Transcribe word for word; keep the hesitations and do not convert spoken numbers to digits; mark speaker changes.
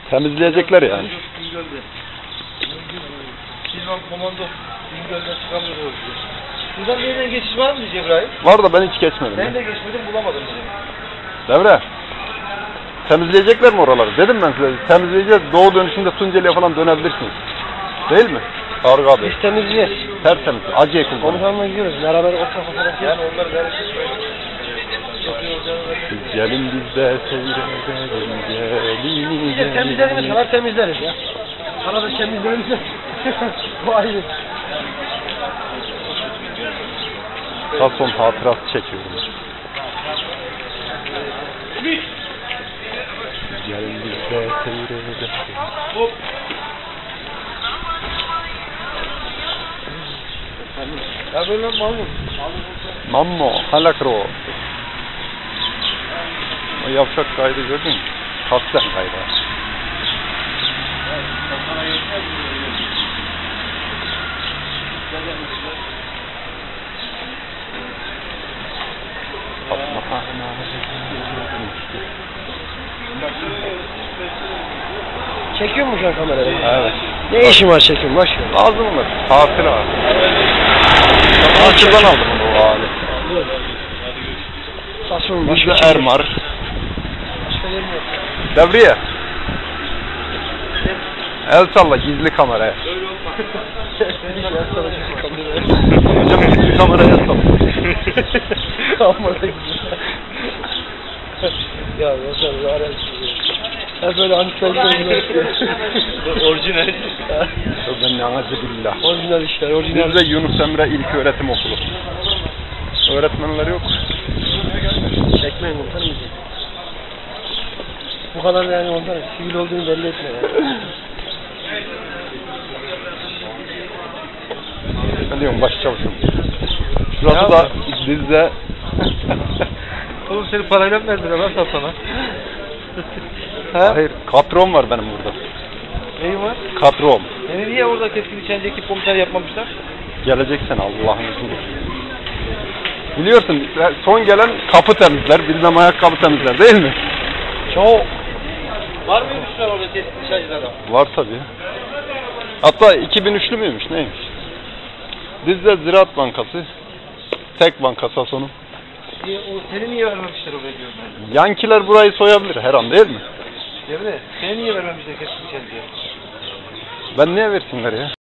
Speaker 1: Temizleyecekler yani.
Speaker 2: Bingöl'de. Silvan komando Bingöl'den çıkamıyor o yüzden. Buradan bir yerden geçiş var mı diye İbrahim?
Speaker 1: Var da ben hiç geçmedim.
Speaker 2: Ben
Speaker 1: ya.
Speaker 2: de geçmedim, bulamadım diye.
Speaker 1: Devre. Temizleyecekler mi oraları? Dedim ben size. Temizleyeceğiz. Doğu dönüşünde Tunceli'ye falan dönebilirsiniz. Değil mi? Tarık abi.
Speaker 3: Biz temizleyeceğiz.
Speaker 1: Tertemiz. Acı ekul.
Speaker 3: Komutanla gidiyoruz. Beraber orta fotoğraf.
Speaker 2: Yani onlar karışık böyle.
Speaker 1: Gelin biz de seyredelim. Gelin.
Speaker 3: Bir de temizlediğimiz kadar temizleriz ya. Arada temizlerimiz de. Bu ayrı.
Speaker 1: Son hatırası çekiyorum. Gelin biz de seyredelim.
Speaker 2: Hop. Ya böyle mamur.
Speaker 1: Mammo, halakro. O yavşak kaydı gördün mü? Kasten kaydı.
Speaker 3: Çekiyor mu şu an kamerayı?
Speaker 1: Evet.
Speaker 3: Ne işin var çekim? Boş ver.
Speaker 1: Lazım mı? Tatil abi. Tatilden aldım onu o hali.
Speaker 3: Saçma
Speaker 1: Biz
Speaker 3: başka
Speaker 1: de
Speaker 3: şey yok.
Speaker 1: Ermar.
Speaker 3: Başka yerim yok.
Speaker 1: Devriye. El salla gizli kameraya. Hocam gizli kameraya salla.
Speaker 3: Kamera güzel. Ya Yaşar zaten hep böyle antipersonel
Speaker 2: Orijinal.
Speaker 1: Ben ne ağacı billah.
Speaker 3: orijinal işler, orijinal.
Speaker 1: Bizde Yunus Emre İlköğretim Okulu. Öğretmenler yok.
Speaker 3: Çekmeyin komutanım. Bu kadar yani ondan sivil olduğunu belli etme yani.
Speaker 1: Ben diyorum başçavuşum. Şurası da bizde.
Speaker 2: Oğlum seni parayla mı verdiler lan sana?
Speaker 1: Hayır, katrom var benim burada.
Speaker 2: Neyin var?
Speaker 1: Katrom.
Speaker 2: Yani niye orada keskin nişancı ekip komutanı yapmamışlar?
Speaker 1: Geleceksen Allah'ın izniyle. Biliyorsun son gelen kapı temizler, bilmem ayakkabı temizler değil mi?
Speaker 3: Çok.
Speaker 2: Var mıymış lan orada keskin nişancılarda?
Speaker 1: Var tabii. Hatta iki bin üçlü müymüş neymiş? Bizde Ziraat Bankası, tek banka sonu.
Speaker 2: Niye, o, seni niye vermemişler oraya diyorum ben.
Speaker 1: Yankiler burayı soyabilir her an değil mi?
Speaker 2: Değil mi? Seni niye vermemişler keskin nişancıya?
Speaker 1: Ben niye versinler ya?